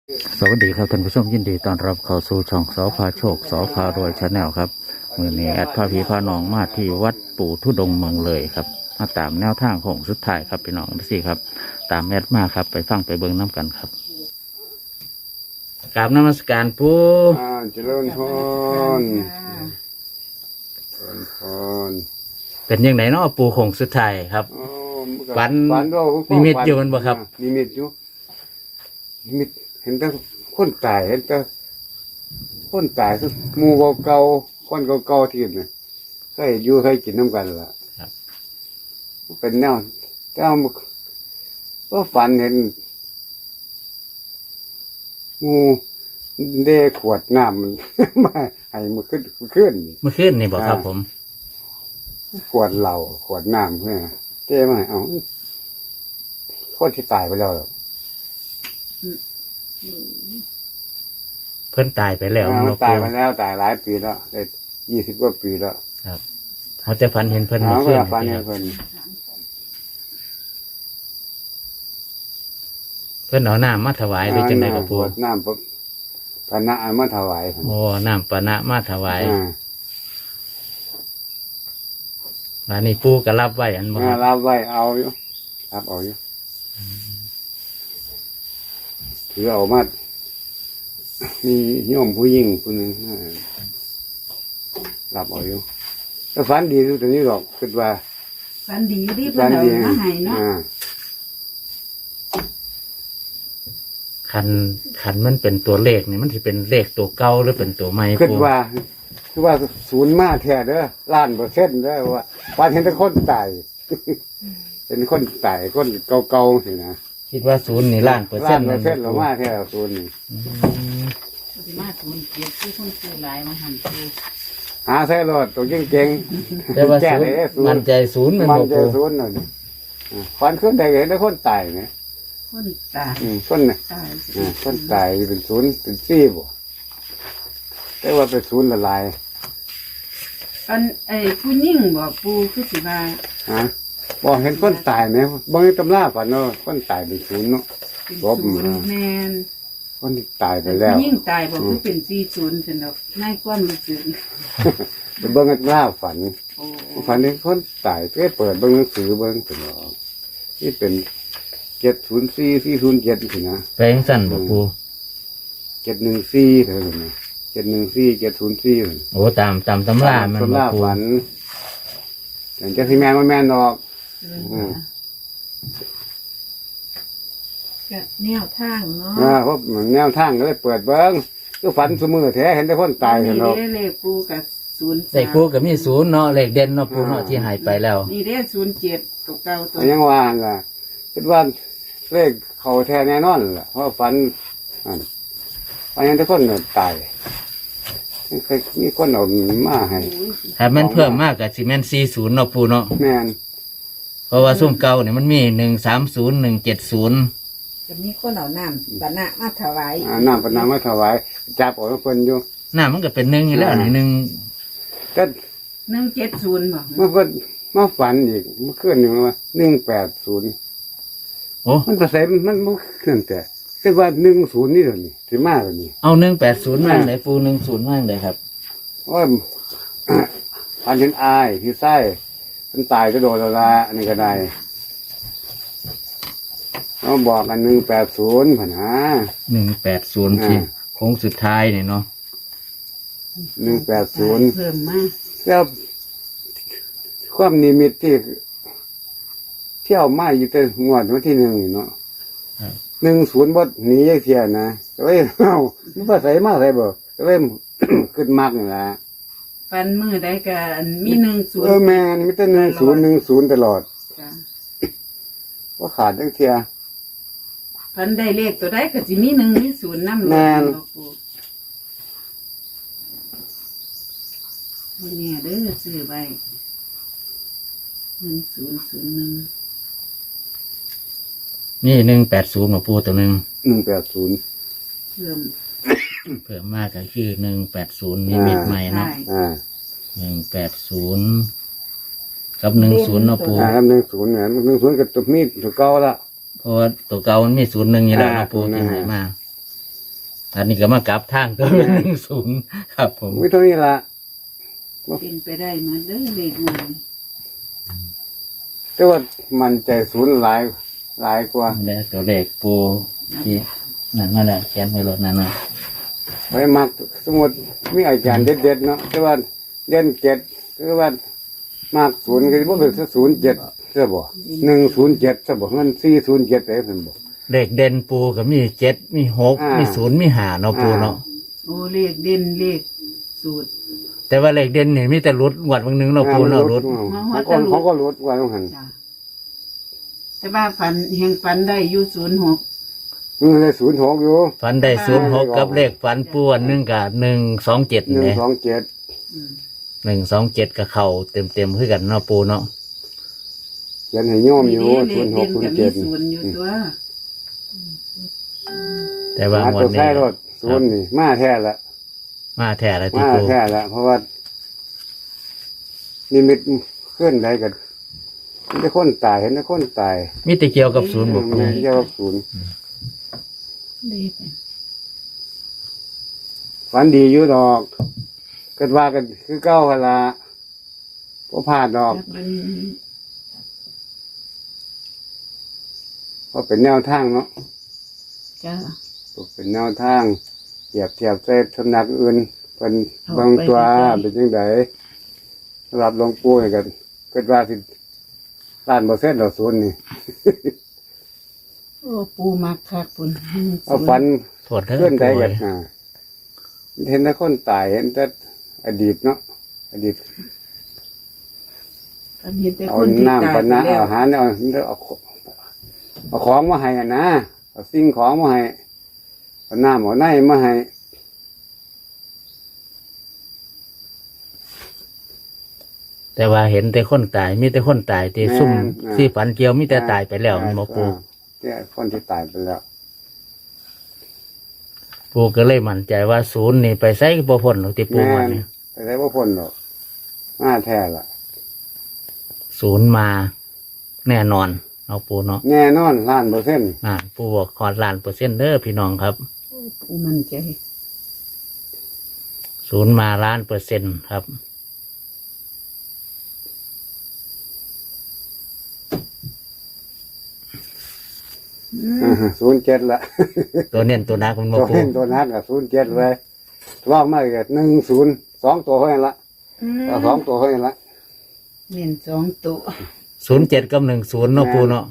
สวัสดีครับท่านผู้ชมยินดีต้อนรับเข้าสู่ช่องสอพาโชคสอพารวยชาแนลครับมือนี้แอดพาพีพาน้องมาที่วัดปู่ทุดงค์เมืองเลยครับมาตามแนวทางของสุดท้ายครับพี่น้องสิครับตามแอดมาครับไปฟังไปเบิ่งน้ำกันครับกราบนมัสการปู่เจริญพรเจริญพรเป็นยังไงเนาะปู่ของสุดท้ายครับฝันนิมิตอยู่มันบ่ครับนิมิตอยู่นิมิตเห็นแต่คนตายเห็นแต่คนตายคือหมู่เก่าๆคนเก่าๆที่นี่เคยอยู่เคยกินน้ำกันล่ะเป็นแนวแต่เอาก็ฝันเห็นหมู่เดขวดน้ำมัน มาให้มันขึ้นเมื่อคืนนี่บอกครับผมขวดเหล้าขวดน้ำเพื่อเต้มาให้เอาคนที่ตายไปแล้วเพิ่นตายไปแล้วตายไปแล้วตายหลายปีแล้วได้20 กว่าปีแล้วครับเขาจะฝันเห็นเพิ่นเมื่อคืนฝันเห็นเพิ่นเอาน้ำมาถวายหรือจังไดกับปู่น้ำปะนะมาถวายโอ้น้ำปะนะมาถวายอันนี้ปู่ก็รับไว้อันบ่รับไว้เอาอยู่รับเอาอยู่ถือเอามามีโยมผู้หญิงคนหนึ่งรับเอาอยู่แต่ฝันดีทุกตัวนี้หรอกคิดว่าฝันดีที่เพิ่นเอามาให้เนาะขันมันเป็นตัวเลขนี่มันจะเป็นเลขตัวเก่าหรือเป็นตัวใหม่คิดว่าศูนย์มาแท้เด้อ1,000,000%เด้อว่าฝันเห็นแต่คนตายเป็นคนตายคนเก่าๆสินะคิดว่าศูนย์นี่1,000,000% เรามาแท้ศูนย์นี่มาศูนย์เก็บที่คนซื้อหลายมาหั่นคือหาใส่รถตัวเก่งๆแต่ว่าศูนย์มันใจศูนย์มันใจศูนย์น่ะฝันขึ้นได้เห็นแต่คนตายเนี่ยคนตายคนตายเป็นศูนย์เป็นซี่บ่แต่ว่าเป็นศูนย์ละลายอันผู้หญิงบ่ปู่คือสิว่าบอกเห็นคนตายเนี่ยบางตำราฝันเนาะคนตายเป็นศูนย์เนาะลบแม่นคนที่ตายไปแล้วผู้หญิงตายบ่คือเป็น40ซั่นดอกในความรู้สึกเป็นเบิ่งตำราฝันเห็นคนตายเปิดเบิ่งหนังสือเบิ่งถึงออกที่เป็น704 407สินะแปลงสั้นบ่ปู่ 714เท่านั้นนะ714 704 โอ้ตามตำรามันบ่ปู่ฝันแต่จะสิแม่นบ่แม่นดอกก็แนวทางเนาะเพราะแนวทางก็เลยเปิดเบิ่งคือฝันเสมอแท้เห็นแต่คนตายเห็นเนาะนี่เลขปู่กับ03 เลขปู่ก็มี0เนาะเลขเด่นเนาะปู่เนาะที่หายไปแล้วนี่เด้07ตัวเก่าตัวยังว่าล่ะคิดว่าเลขเขาแท้แน่นอนล่ะเพราะฝันยังแต่คนตายเคยมีคนเอามาให้ถ้ามันเพิ่มมากก็สิแม่น40เนาะปู่เนาะแม่นเพราะว่าซุ่มเก่าเนี่ยมันมี130 170 จะมีคนเอาน้ำปะนะมาถวายน้ำปะนะมาถวายจับออกเพิ่นอยู่น้ำมันก็เป็น1อยู่แล้วนี่1 ก็ 170บ่เมื่อเพิ่นมาฝันอีกเมื่อคืนนึงว่า180 โอ้มันก็ใส่มันขึ้นแต่คือว่า10นี่เดี๋ยวนี้สิมาแล้วนี่เอา180มาไหนปู10มาไหนครับว่าฝันเห็นอายที่ไส้มันตายก็โดนละอันนี้ก็ได้เราบอกกัน180ผ่าน 180ที่โค้งสุดท้ายนี่เนาะ 180 เพิ่มมาแล้วความนิมิตที่เที่ยวมาอยู่แต่งวดวันที่1เนาะ10บ่หนีจักเที่ยนะก็เลยมันบ่ใส่มาใส่บ่ก็เลยขึ้นมากนี่ล่ะฟันมือได้ก็มี10 แม่นมีแต่10ตลอดจ้ะว่าขาดจังเที่ยฟันได้เลขตัวใดก็สิมี1มี0นำแม่นนี่เด้อซื้อไว้1001 นี่180ของปูตัวหนึ่ง 180 เพิ่มมากก็คือ180นี่เม็ดใหม่เนาะ180กับ10เนาะปูครับ10เนี่ย10กับตัวมีตัวเก่าละเพราะว่าตัวเก่ามันมี01อยู่แล้วเนาะปูที่หายมาอันนี้ก็มากลับทางก็เป็น10ครับผมมีเท่านี้ละเป็นไปได้เหมือนเด้อเลขงานแต่ว่ามันใจศูนย์หลายกว่าแล้วตัวเลขปูที่นั่นมาแล้วเขียนไว้รถนั่นนะไปมักสมมติมีอาจารย์เด็ดๆเนาะแต่ว่าเล่นเจ็ดคือว่ามากศูนย์ก็บ่เป็น07ใช่บ่107ใช่บ่เงิน407ได้เพิ่นบ่เลขเด่นปูก็มี7มี6มี0มี5เนาะปูเนาะโอ้เลขเด่นเลขสูตรแต่ว่าเลขเด่นนี่มีแต่รุดงวดบางนึงเนาะปูเนาะรุดเขาก็ลดว่าต้องหันจ้ะแต่ว่าฝันได้อยู่06 มันเลย06อยู่ฝันได้06กับเลขฝันปูอันหนึงกับ127นี่ 127 อืม 127กับเข้าเต็มๆคือกันเนาะปูเนาะเขียนให้โยมอยู่เลขเด่นกับมีศูนย์อยู่ตัวแต่ว่างวตัดวนี้ใช้รถศูนย์นี่มาแท้ละมาแท้แล้วที่มาปูแท้ละเพราะว่านิมิตเคลื่อนใดกันมันได้คนตายเห็นได้คนตายมีแต่เกี่ยวกับศูนย์บ่ปูมันเรียกว่าศูนย์เลขฝันดีอยู่ดอกเกิดว่ากันคือเก้าเวลาพอผ่านดอกจับมันเพราะเป็นแนวทางเนาะจ้าเป็นแนวทางเทียบใส่สำนักอื่นเป็นบางตัวเป็นยังไงสำหรับหลวงปู่นี่กันเกิดว่าสิ1,000%ดอกศูนย์นี่โอ้ปูมักคักปุ่นเอาฝันโทษเด้อเพื่อนใดปูกันเห็นแต่คนตายเห็นแต่อดีตเนาะอดีตฝันเห็นแต่เอาคนที่น้ำตายปะไปนะแล้วเอาอาหารเอาของมาให้กันนะเอาสิ่งของมาให้เอาน้ำเอาไนมาให้แต่ว่าเห็นแต่คนตายมีแต่คนตายที่ซุ่มที่ฝันเกี่ยวมีแต่ตายไปแล้วมันบ่ปูเนี่ยคนที่ตายไปแล้วปูก็เลยมั่นใจว่าศูนย์นี่ไปใส่บ่พ้นหรอกที่ปูว่านี่แต่ได้ว่าพ้นหรอกมาแท้ละศูนย์มาแน่นอนเอาปูเนาะแน่นอน1,000,000% ปูบอกขอ1,000,000%เด้อพี่น้องครับปูมั่นใจศูนย์มา1,000,000%ครับ 07ละตัวเน้นตัวนักมันบ่ตัวปูเห็นตัวนักกับ07เลยว่างมากกับ10 2ตัวเท่านั้นละเอา2ตัวเท่านั้นละเน้น2ตัว 07กับ10เนาะปูเนาะ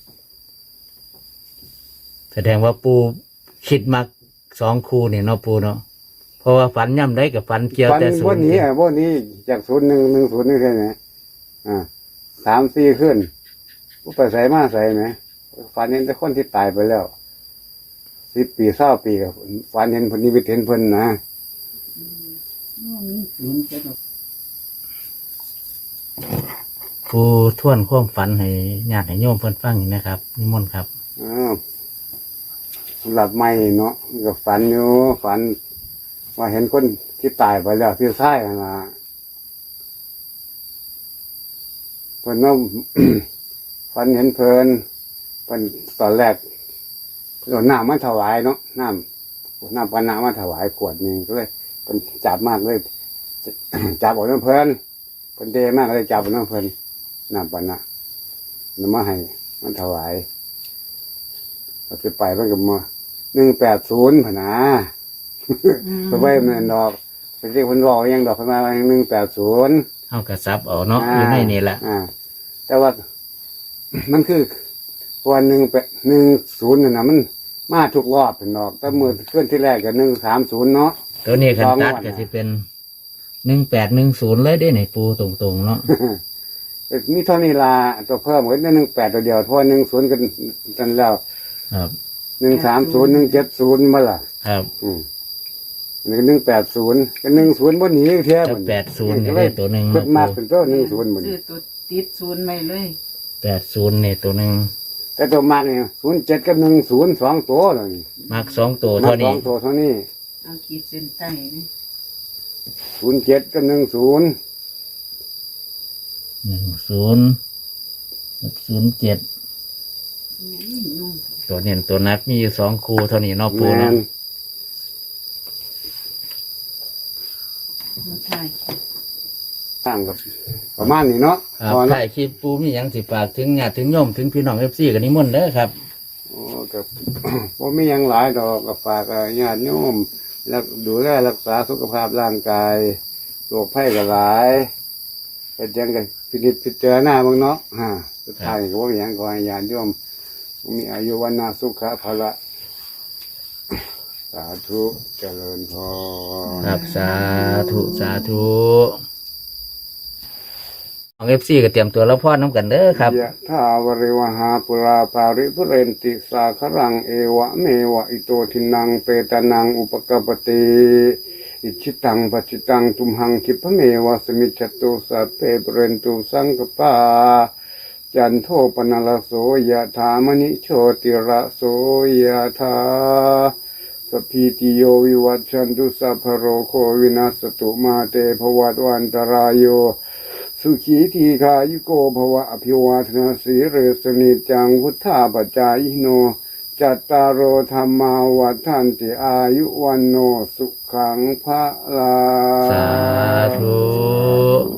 แสดงว่าปูคิดมัก2คู่นี่เนาะปูเนาะเพราะว่าฝันย่ำได้กับฝันเกี่ยวฝันแต่ศูวัน นย์นี้วันนี้จาก0110นี่ใช่ไหม3-4ขึ้นผู้ไปใส่มาใส่ไหมฝันเห็นแต่คนที่ตายไปแล้ว10 ปี20 ปีกับฝันเห็นเพนนิมิตเห็นเพิ่นนะโอ้มีศูนย์จะดอกปูท่วนความฝันให้ญาติให้โยมเพิ่นฟังอยู่นะครับนิมนต์ครับอ้าวสำหรับไม่เนาะก็ฝันอยู่ฝันว่าเห็นคนที่ตายไปแล้วที่ใช่นะเพิ่นว่า ฝันเห็นเพิ่นตอนแรกเอาน้ำมาถวายเนาะน้ำปานะมาถวายขวดหนึงก็เลยเพิ่นจับมากเลย จับออกน้ำเพิ่นเพิ่นเดมากเลยจับออกน้ำเพิ่นน้ำปานะนำมาให้มันถวายเราจะไปเพิ่นก็มา180พะนะไปไว้มันดอกไปเรียกเพิ่นบอกยังดอกเพิ่นมา180 เฮากระซับเอาเนาะอยู่ในนี่แหละแต่ว่า มันคือวัน10นั่นนะมันมาทุกรอบเป็นดอกแต่มือเคลื่อนที่แรกก็130เนาะตัวนี้คันตัดสองงวดก็สิเป็น1810เลยได้ในปูตรงๆเนาะมีเท่านี้ละตัวเพิ่มก็ได้18ตัวเดียวเพราะว่า10กันแล้วครับ 130 170มาล่ะครับอันนี้ก็180ก็10บ่หนีแท้ถ้าบัด 80นี่ได้ตัวหนึงเพิ่เนาะนมากปูเป็นตัว10บัดซื้อตัวติดศูนย์ไว้เลย 80นี่ตัวหนึงแต่ตัวมากนี่07กับ10 2ตัวแล้วนี่มัก2ตัวมาเท่านี้ 2ตัวเท่านี้เอาขีดเส้นใต้นี่ 07กับ10 10กับ07 นุ่มตัวเน้นตัวนักมีอยู่2คู่เท่านี้เนาะปูแม่เนาะนใช่ต่างกับประมาณนี้เนาะครับพอถ่ายคลิปปูมีหยังสิฝากถึงญาติถึงโยมถึงพี่น้องเอฟซีกันนิมนต์เด้อครับโอ้กับ ว่ามีหยังหลายดอกกับฝากญาติโยมแล้วดูแลรักษาสุขภาพร่างกายโรคภัยก็หลายเป็นยังกันพินิจพิจารณาบ้างเนาะสุดท้ายก็ว่ามีหยังขอให้ญาติโยมมีอายุวันนาสุขะภละสาธุเจริญพรครับสาธุสาธุของเอฟซีก็เตรียมตัวแล้วพ่อน้ำกันเด้อครับยะถาวริวหาปุราปาริภุเรนติสาครังเอวะเมวะอิโตทินังเปตานังอุปกปปติอิชิตังปัจจิตังตุมหังคิปะเมวะสมิจฉตุสัพเพปเรนตุสังกปาจันโทปนลโสยะถามณิโชติระโสยะถาสพพีติโยวิวัชชันตุสัพพะโรโควินัสตุมาเตภวัตวันตรายโยสุขีทีคายุโกภวะอภิวาทนาสีเรสนิจังพุทธาปจายโนจัตตารโอธรรมาวัฏันติอายุวันโนสุขังพระลาสาธุ